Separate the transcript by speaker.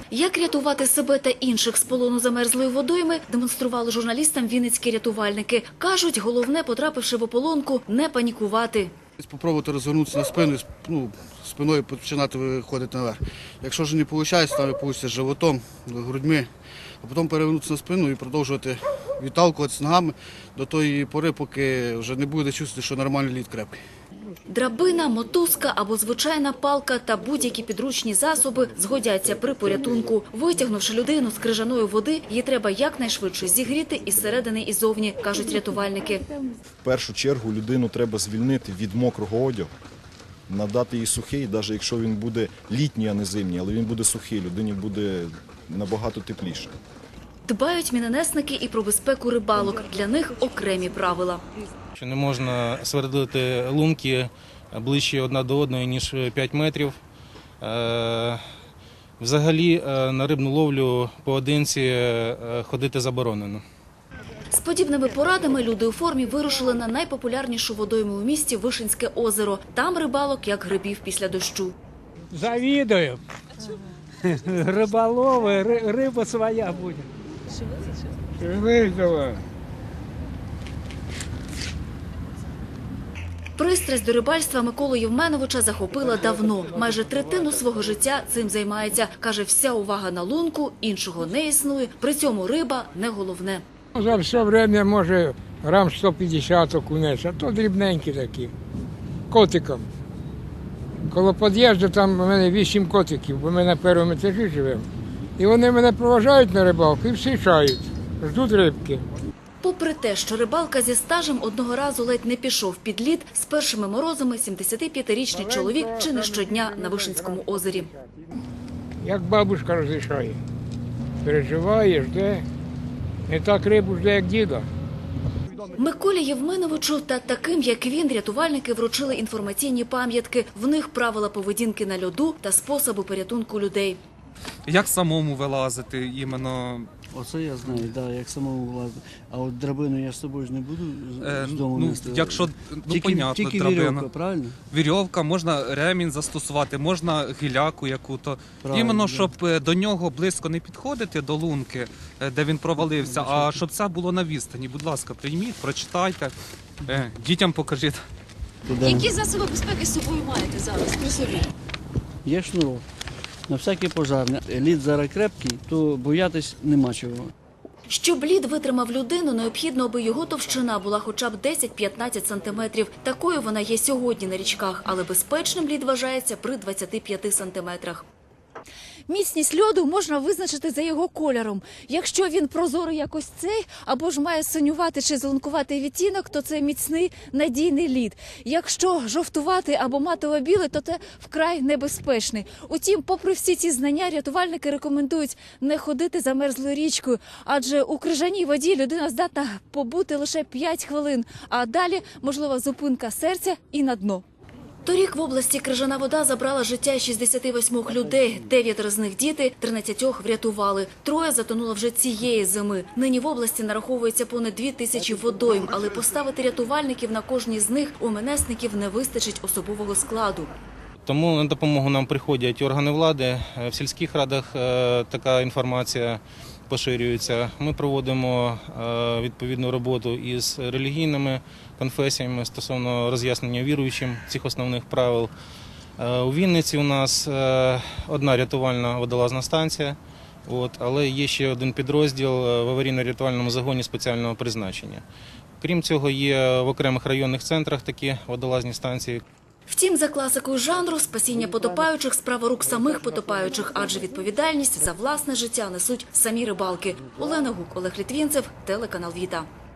Speaker 1: Як рятувати себе та інших з полону замерзлої водойми, демонстрували журналістам вінницькі рятувальники. Кажуть, головне, потрапивши в ополонку, не панікувати.
Speaker 2: Спробувати розвернутися на спину, спиною починати виходити наверх. Якщо ж не виходить, то вийде животом, грудьми, а потім перевернутися на спину і продовжувати відталкуватися ногами до тої пори, поки вже не буде чувствувати, що нормальний лід крепкий.
Speaker 1: Драбина, мотузка або звичайна палка та будь-які підручні засоби згодяться при порятунку. Витягнувши людину з крижаної води, її треба якнайшвидше зігріти із середини і зовні, кажуть рятувальники.
Speaker 3: В першу чергу людину треба звільнити від мокрого одягу, надати їй сухий, навіть якщо він буде літній, а не зимній, але він буде сухий, людині буде набагато тепліше.
Speaker 1: Дбають мінонесники і про безпеку рибалок. Для них окремі правила.
Speaker 4: Що не можна свердлити лунки ближче одна до одної, ніж 5 метрів. Взагалі на рибну ловлю поодинці ходити заборонено.
Speaker 1: З подібними порадами люди у формі вирушили на найпопулярнішу водойму у місті Вишинське озеро. Там рибалок як грибів після дощу.
Speaker 5: Завидую. Рыболовы, рыба своя будет. Выжила.
Speaker 1: Пристрасть до рибальства Миколу Євменовича захопила давно. Майже третину свого життя цим займається. Каже, вся увага на лунку, іншого не існує. При цьому риба не головне.
Speaker 5: За все время може грам 150 окунець, а то дрібненькі такі, котиком. Коло під'їзду там у мене 8 котиків, бо ми на першому етажі живемо. І вони мене проважають на рибалку і всі чають, ждуть рибки.
Speaker 1: Попри те, що рибалка зі стажем одного разу ледь не пішов під лід, з першими морозами 75-річний чоловік чи не щодня на Вишинському озері.
Speaker 5: Як бабушка розрішає, переживає, жде. Не так рибу жде, як діда.
Speaker 1: Миколі Євменовичу та таким, як він, рятувальники вручили інформаційні пам'ятки. В них правила поведінки на льоду та способи порятунку людей.
Speaker 6: Як самому вилазити іменно?
Speaker 7: Оце я знаю, да, як самому влазити. А от драбину я з собою ж не буду з дому нести.
Speaker 6: Якщо, понятно,
Speaker 7: тільки
Speaker 6: драбина.
Speaker 7: вірьовка, правильно?
Speaker 6: Вірьовка, можна ремінь застосувати, можна гіляку яку-то.
Speaker 7: Правильно,
Speaker 6: Іменно,
Speaker 7: да.
Speaker 6: щоб до нього близько не підходити, до лунки, де він провалився, а щоб це було на відстані. Будь ласка, прийміть, прочитайте, дітям покажіть.
Speaker 8: Які засоби безпеки з собою маєте зараз при собі?
Speaker 7: Є шнурок. На всякий пожарний. Лід зараз крепкий, то боятись нема чого.
Speaker 1: Щоб лід витримав людину, необхідно, аби його товщина була хоча б 10-15 сантиметрів. Такою вона є сьогодні на річках, але безпечним лід вважається при 25 сантиметрах.
Speaker 8: Міцність льоду можна визначити за його кольором. Якщо він прозорий якось цей, або ж має синюватий чи зеленкуватий відтінок, то це міцний, надійний лід. Якщо жовтуватий або матово-білий, то це вкрай небезпечний. Утім, попри всі ці знання, рятувальники рекомендують не ходити замерзлою річкою, адже у крижаній воді людина здатна побути лише 5 хвилин, а далі можлива зупинка серця і на дно.
Speaker 1: Торік в області крижана вода забрала життя 68 людей. 9 з них діти, 13 врятували. 3 затонуло вже цієї зими. Нині в області нараховується понад 2000 водойм, але поставити рятувальників на кожній з них у МНСників не вистачить особового складу.
Speaker 4: Тому на допомогу нам приходять органи влади. В сільських радах така інформація поширюється. Ми проводимо відповідну роботу із релігійними конфесіями стосовно роз'яснення віруючим цих основних правил. У Вінниці у нас одна рятувальна водолазна станція, але є ще один підрозділ в аварійно-рятувальному загоні спеціального призначення. Крім цього, є в окремих районних центрах такі водолазні станції.
Speaker 1: Втім, за класикою жанру, спасіння потопаючих – справа рук самих потопаючих, адже відповідальність за власне життя несуть самі рибалки. Олена Гук, Олег Літвінцев, телеканал «Віта».